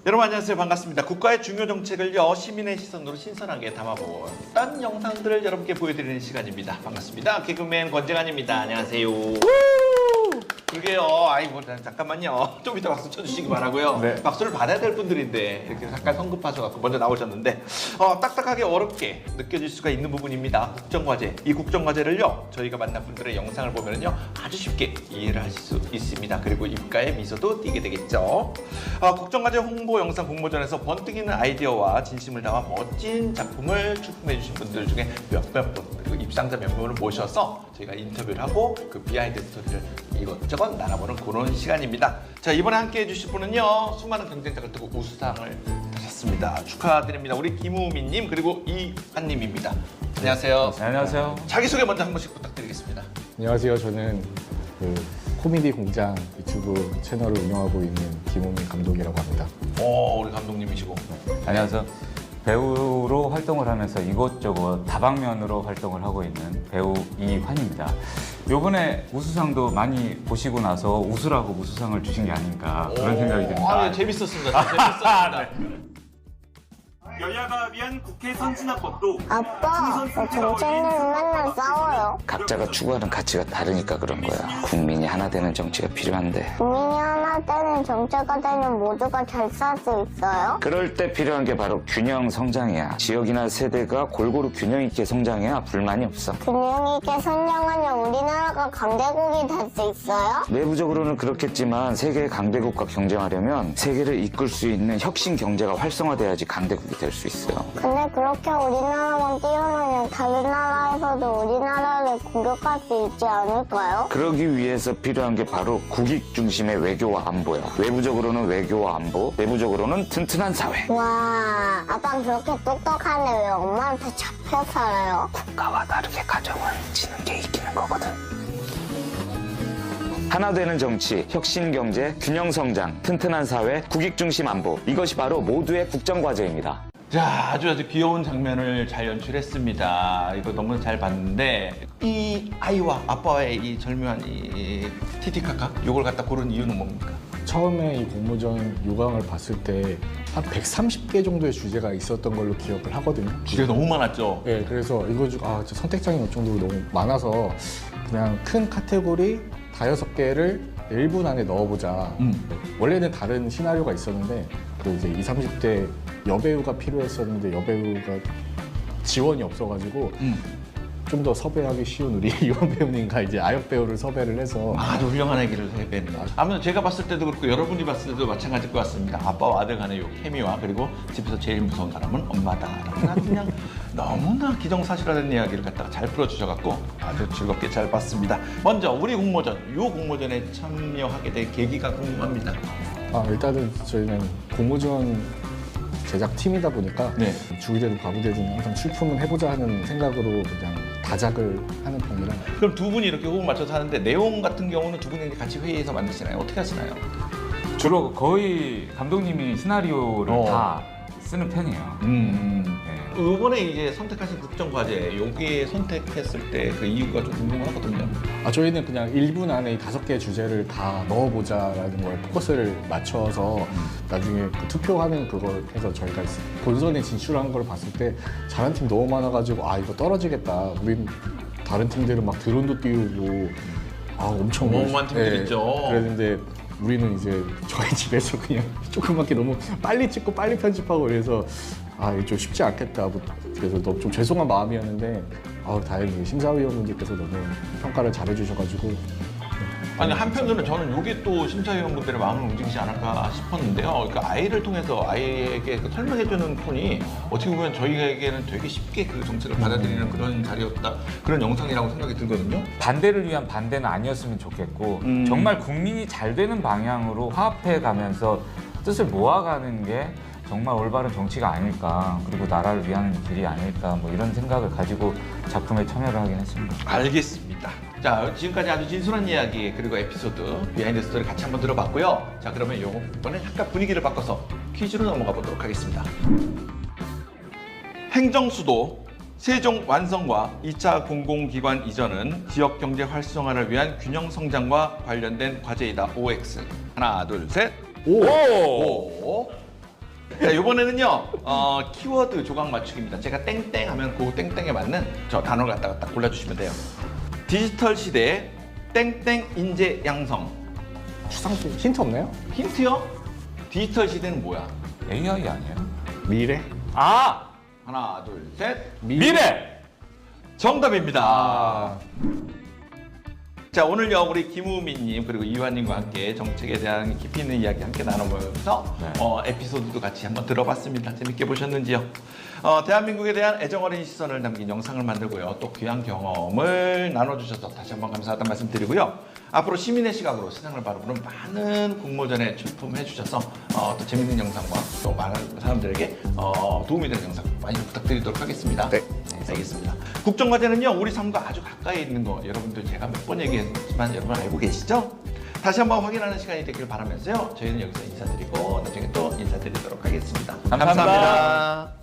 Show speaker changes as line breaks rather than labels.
여러분 안녕하세요. 반갑습니다. 국가의 중요 정책을요 시민의 시선으로 신선하게 담아본 딴 영상들을 여러분께 보여드리는 시간입니다. 반갑습니다. 개그맨 권재관입니다. 안녕하세요. 그러게요. 아이고 잠깐만요. 좀 이따 박수 쳐주시기 바라고요.
네.
박수를 받아야 될 분들인데 이렇게 잠깐 성급하셔서 먼저 나오셨는데 딱딱하게 어렵게 느껴질 수가 있는 부분입니다. 국정과제. 이 국정과제를요 저희가 만난 분들의 영상을 보면요 아주 쉽게 이해를 하실 수 있습니다. 그리고 입가에 미소도 띄게 되겠죠. 국정과제 홍보 영상 공모전에서 번뜩이는 아이디어와 진심을 담아 멋진 작품을 출품해 주신 분들 중에 몇몇 분 그리고 입상자 몇 분을 모셔서 저희가 인터뷰를 하고 그 비하인드 스토리를 이것저것 나눠보는 그런 시간입니다. 자, 이번에 함께 해주실 분은요 수많은 경쟁자를 두고 우수상을 타셨습니다. 축하드립니다. 우리 김우민님 그리고 이한님입니다. 안녕하세요.
네, 안녕하세요.
자기소개 먼저 한 번씩 부탁드리겠습니다.
안녕하세요. 저는 그 코미디 공장 유튜브 채널을 운영하고 있는 김우민 감독이라고 합니다.
우리 감독님이시고.
안녕하세요. 배우로 활동을 하면서 이곳저곳 다방면으로 활동을 하고 있는 배우 이환입니다. 요번에 우수상도 많이 보시고 나서 웃으라고 우수상을 주신 게 아닌가 그런 생각이 듭니다.
네, 재밌었습니다. 재밌었습니다.
여야가 위한 국회 선진화법도
아빠, 정책은 맨날 싸워요.
각자가 추구하는 가치가 다르니까 그런 거야. 국민이 하나 되는 정치가 필요한데.
국민이 하나 되는 정체가 되면 모두가 잘 살 수 있어요?
그럴 때 필요한 게 바로 균형 성장이야. 지역이나 세대가 골고루 균형 있게 성장해야 불만이 없어.
균형 있게 선정하면 우리나라가 강대국이 될 수 있어요?
내부적으로는 그렇겠지만 세계의 강대국과 경쟁하려면 세계를 이끌 수 있는 혁신 경제가 활성화돼야지 강대국이 될 수 있어요.
근데 그렇게 우리나라만 뛰어나면 다른 나라에서도 우리나라를 공격할 수 있지 않을까요?
그러기 위해서 필요한 게 바로 국익 중심의 외교와 안보야. 외부적으로는 외교와 안보, 내부적으로는 튼튼한 사회.
와, 아빠 그렇게 똑똑한데 왜 엄마한테 잡혀 살아요?
국가와 다르게 가정을 지는 게 이기는 거거든. 하나 되는 정치, 혁신 경제, 균형 성장, 튼튼한 사회, 국익 중심 안보. 이것이 바로 모두의 국정과제입니다.
자, 아주 귀여운 장면을 잘 연출했습니다. 이거 너무 잘 봤는데 이 아이와 아빠의 이 절묘한 이 티티카카 요걸 갖다 고른 이유는 뭡니까?
처음에 이 공모전 요강을 봤을 때 한 130개 정도의 주제가 있었던 걸로 기억을 하거든요.
주제가 너무 많았죠.
네, 그래서 이거 진짜 선택장이 어느 정도로 너무 많아서 그냥 큰 카테고리 5개를 1분 안에 넣어보자. 원래는 다른 시나리오가 있었는데 그 이제 20, 30대 여배우가 필요했었는데 여배우가 지원이 없어가지고 좀 더 섭외하기 쉬운 우리 이원 배우님과 이제 아역 배우를 섭외를 해서
아주 훌륭한 얘기를 해냈네요. 아무튼 제가 봤을 때도 그렇고 여러분이 봤을 때도 마찬가지일 것 같습니다. 아빠와 아들 간의 요 케미와 그리고 집에서 제일 무서운 사람은 엄마다라는 아주 그냥 너무나 기정사실화된 이야기를 갖다가 잘 풀어주셔갖고 아주 즐겁게 잘 봤습니다. 먼저 우리 공모전, 요 공모전에 참여하게 된 계기가 궁금합니다.
일단은 저희는 공모전 제작팀이다 보니까
네.
죽이 되든 밥이 되든 항상 출품은 해보자 하는 생각으로 그냥 다작을 하는 편이라
그럼 두 분이 이렇게 호흡 맞춰서 하는데 내용 같은 경우는 두 분이 같이 회의해서 만드시나요? 어떻게 하시나요?
주로 거의 감독님이 시나리오를 다 쓰는 편이에요. 네.
이번에 이제 선택하신 국정과제 여기에 선택했을 때 그 이유가 좀 궁금하거든요.
저희는 그냥 1분 안에 5개의 주제를 다 넣어보자라는 거에 포커스를 맞춰서 나중에 그 투표하는 그걸 해서 저희가 본선에 진출한 걸 봤을 때 잘한 팀 너무 많아가지고 이거 떨어지겠다. 우린 다른 팀들은 막 드론도 띄우고 엄청
어마어마한 팀들 있죠.
그랬는데 우리는 이제 저희 집에서 그냥 조그맣게 너무 빨리 찍고 빨리 편집하고 그래서 이거 좀 쉽지 않겠다. 그래서 너무 좀 죄송한 마음이었는데 다행히 심사위원분들께서 너무 평가를 잘해주셔가지고
아니 한편으로는 저는 이게 또 심사위원분들의 마음을 움직이지 않을까 싶었는데요. 그러니까 아이를 통해서 아이에게 그 설명해주는 톤이 어떻게 보면 저희에게는 되게 쉽게 그 정책을 받아들이는 그런 자리였다, 그런 영상이라고 생각이 들거든요.
반대를 위한 반대는 아니었으면 좋겠고 정말 국민이 잘 되는 방향으로 화합해 가면서 뜻을 모아가는 게 정말 올바른 정치가 아닐까, 그리고 나라를 위한 길이 아닐까, 뭐 이런 생각을 가지고 작품에 참여를 하긴 했습니다.
알겠습니다. 자, 지금까지 아주 진솔한 이야기 그리고 에피소드, 비하인드 스토리 같이 한번 들어봤고요. 자, 그러면 이번에 약간 분위기를 바꿔서 퀴즈로 넘어가 보도록 하겠습니다. 행정수도 세종 완성과 2차 공공기관 이전은 지역 경제 활성화를 위한 균형 성장과 관련된 과제이다. OX. 하나, 둘, 셋.
오!
오. 자, 이번에는요 키워드 조각 맞추기입니다. 제가 땡땡 하면 그 땡땡에 맞는 저 단어를 갖다가 딱 골라주시면 돼요. 디지털 시대 땡땡 인재 양성.
추상수 힌트 없나요?
힌트요? 디지털 시대는 뭐야?
AI 아니에요?
미래?
아!
하나 둘 셋.
미래!
정답입니다.
아,
자 오늘요 우리 김우민님 그리고 이완님과 함께 정책에 대한 깊이 있는 이야기 함께 나눠보면서
네.
에피소드도 같이 한번 들어봤습니다. 재밌게 보셨는지요? 대한민국에 대한 애정어린 시선을 담긴 영상을 만들고요. 또 귀한 경험을 나눠주셔서 다시 한번 감사하다는 말씀 드리고요. 앞으로 시민의 시각으로 세상을 바라보는 많은 공모전에 출품해주셔서 또 재밌는 영상과 또 많은 사람들에게 도움이 되는 영상 많이 부탁드리도록 하겠습니다.
네.
알겠습니다. 국정과제는요 우리 삶과 아주 가까이 있는 거 여러분들 제가 몇 번 얘기했지만 여러분 알고 계시죠? 다시 한번 확인하는 시간이 되길 바라면서요. 저희는 여기서 인사드리고 나중에 또 인사드리도록 하겠습니다.
감사합니다.
감사합니다.